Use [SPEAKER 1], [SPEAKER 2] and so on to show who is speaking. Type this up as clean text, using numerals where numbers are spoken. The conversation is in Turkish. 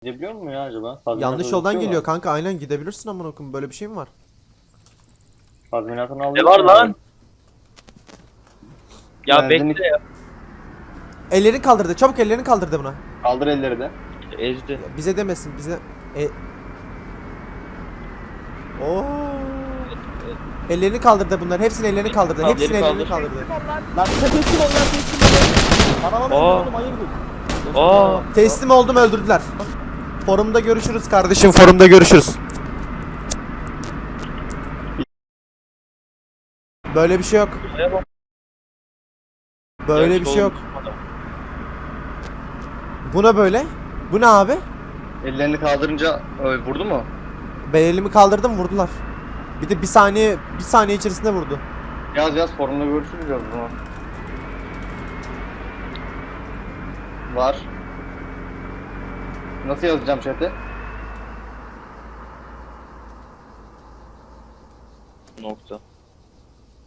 [SPEAKER 1] Gidebiliyor mu ya acaba?
[SPEAKER 2] Yanlış yoldan geliyor kanka, aynen gidebilirsin amına koyayım, böyle bir şey mi var?
[SPEAKER 1] Tazminatını
[SPEAKER 3] Ne
[SPEAKER 1] alıyor.
[SPEAKER 3] var lan? Ya
[SPEAKER 1] Benzinlik-
[SPEAKER 3] bekle ya.
[SPEAKER 2] Ellerini kaldırdı, çabuk ellerini kaldırdı buna.
[SPEAKER 1] Kaldır elleri de.
[SPEAKER 3] Ezdi.
[SPEAKER 2] Bize demesin, bize... Oo. Ellerini kaldırdı bunlar, hepsinin ellerini kaldırdı,
[SPEAKER 3] Tamam,
[SPEAKER 2] hepsinin
[SPEAKER 3] elleri
[SPEAKER 2] ellerini
[SPEAKER 3] kaldır.
[SPEAKER 2] kaldırdı.
[SPEAKER 1] Lan teslim ol lan teslim ol. Arabamı öldürdüm hayırdır.
[SPEAKER 3] Aa.
[SPEAKER 2] Teslim oldum, öldürdüler. Forumda görüşürüz kardeşim, forumda görüşürüz. Böyle bir şey yok. Böyle bir şey yok. Bu ne böyle? Bu ne abi?
[SPEAKER 1] Ellerini kaldırınca vurdu mu?
[SPEAKER 2] Ben elimi kaldırdım, vurdular. Bir de bir saniye içerisinde vurdu.
[SPEAKER 1] Yaz forumda görüşürüz ya o zaman. Var. Nasıl yazacağım chat'e?
[SPEAKER 3] Nokta.